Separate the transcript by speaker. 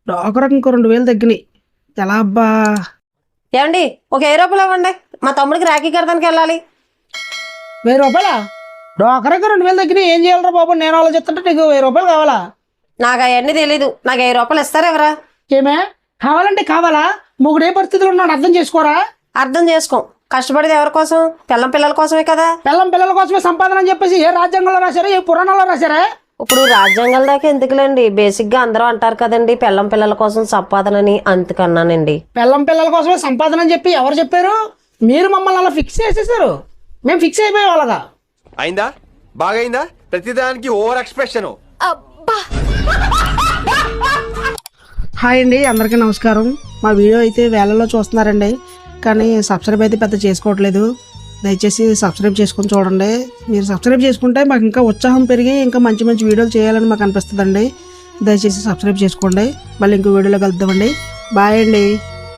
Speaker 1: డోకరకు ఇంకో 2000 తగ్గినాయి. ఎలా అబ్బా?
Speaker 2: ఏమండి ఒక 1000 రూపాయలు ఇవ్వండి, మా తమ్ముడికి రాఖీ కడతానికి వెళ్ళాలి.
Speaker 1: 1000 రూపాయలా? డోకరకు 2000 తగ్గినాయి, ఏం చేయాలరా బాబు? నేను ఆలోచిస్తుంటే నీకు 1000 రూపాయలు కావాలా?
Speaker 2: నాకు అవన్నీ తెలీదు, నాకు 1000 రూపాయలు ఇస్తారా ఎవరా?
Speaker 1: ఏమే కావాలంటే కావాలా? మొగుడు ఏ పరిస్థితిలో ఉన్నాడు అర్థం చేసుకోరా?
Speaker 2: అర్థం చేసుకో, కష్టపడేది ఎవరి కోసం? పిల్లల కోసమే కదా.
Speaker 1: పిల్లల కోసమే సంపాదన అని చెప్పేసి ఏ రాజ్యాంగంలో రాశారా, ఏ పురాణాల్లో రాశారా?
Speaker 2: ఇప్పుడు రాజ్యాంగాల దాకా ఎందుకులేండి, బేసిక్ గా అందరూ అంటారు కదండి పిల్లల కోసం సంపాదనని, అందుకన్నానండి.
Speaker 1: పిల్లల కోసమే సంపాదన అని చెప్పి ఎవరు చెప్పారు? మీరు మమ్మల్ని అలా ఫిక్స్ చేసేసారు, మేము ఫిక్స్ అయిపోయాం అలాగా.
Speaker 3: అయిందా? బాగైందా? ప్రతిదానికి ఓవర్ ఎక్స్ప్రెషన్.
Speaker 1: హాయ్ అండి, అందరికీ నమస్కారం. మా వీడియో అయితే వేళల్లో చూస్తున్నారండి, కానీ సబ్స్క్రైబ్ అయితే పెద్ద చేసుకోవట్లేదు. దయచేసి సబ్స్క్రైబ్ చేసుకొని చూడండి. మీరు సబ్స్క్రైబ్ చేసుకుంటే మాకు ఇంకా ఉత్సాహం పెరిగి ఇంకా మంచి మంచి వీడియోలు చేయాలని మాకు అనిపిస్తుందండి. దయచేసి సబ్స్క్రైబ్ చేసుకోండి. మళ్ళీ ఇంకో వీడియోలో కలుద్దామండి. బాయ్ అండి.